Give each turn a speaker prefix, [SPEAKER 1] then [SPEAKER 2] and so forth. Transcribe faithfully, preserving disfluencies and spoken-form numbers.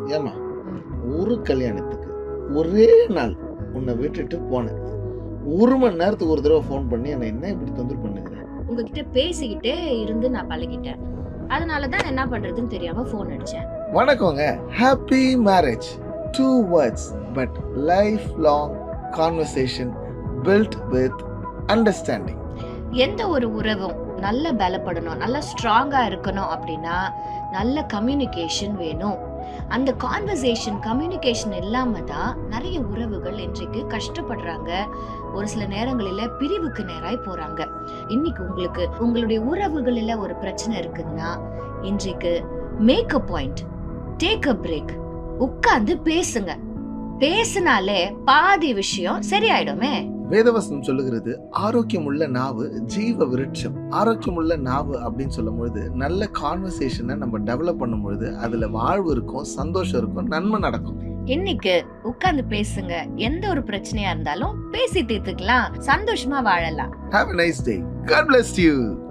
[SPEAKER 1] ஏமா ஒரு கல்யாணத்துக்கு ஒரே நாள் உன்னை விட்டுட்டு போனேன். ஒரு மணி நேரத்துக்கு ஒரு தடவை ஃபோன் பண்ணி என்னை என்ன இப்படி தொந்தரவு பண்ணுகிறேன்?
[SPEAKER 2] உங்ககிட்ட பேசிக்கிட்டே இருந்து நான் பழகிட்டேன். அதனாலதான் என்ன பண்றதுன்னு தெரியாம போன் அடிச்சேன்.
[SPEAKER 1] வணக்கங்க. Happy marriage. Two words but life long conversation build with understanding.
[SPEAKER 2] எந்த ஒரு உறவும் நல்ல பலப்படணும், நல்ல ஸ்ட்ராங்கா இருக்கணும் அப்படின்னா நல்ல கம்யூனிகேஷன் வேணும். அந்த கான்வர்சேஷன் கம்யூனிகேஷன் இல்லாம தான் நிறைய உறவுகள் இன்றைக்கு கஷ்டப்படுறாங்க. ஒரு சில நேரங்களில பிரிவுக்கு நேராய் போறாங்க. இன்னைக்கு உங்களுக்கு உங்களுடைய உறவுகளில ஒரு பிரச்சனை இருக்குதுன்னா இன்றைக்கு make a point, take a break, உட்கார்ந்து பேசுங்க. பேசினாலே பாதி விஷயம் சரியாயிடுமே.
[SPEAKER 1] வேதவசனம் சொல்லுகிறது ஆரோக்கியம் உள்ள நாவு ஜீவ விருட்சம். ஆரோக்கியம் உள்ள நாவு அப்படின்னு சொல்லும் பொழுது நல்ல கான்வர்சேஷனை நம்ம டெவலப் பண்ணும் பொழுது அதுல வாழ்வு இருக்கும், சந்தோஷம் இருக்கும், நன்மை நடக்கும்.
[SPEAKER 2] இன்னைக்கு உட்கார்ந்து பேசுங்க. எந்த ஒரு பிரச்சனையா இருந்தாலும் பேசி தீர்த்துக்கலாம், சந்தோஷமா வாழலாம்.
[SPEAKER 1] Have a nice day. God bless you.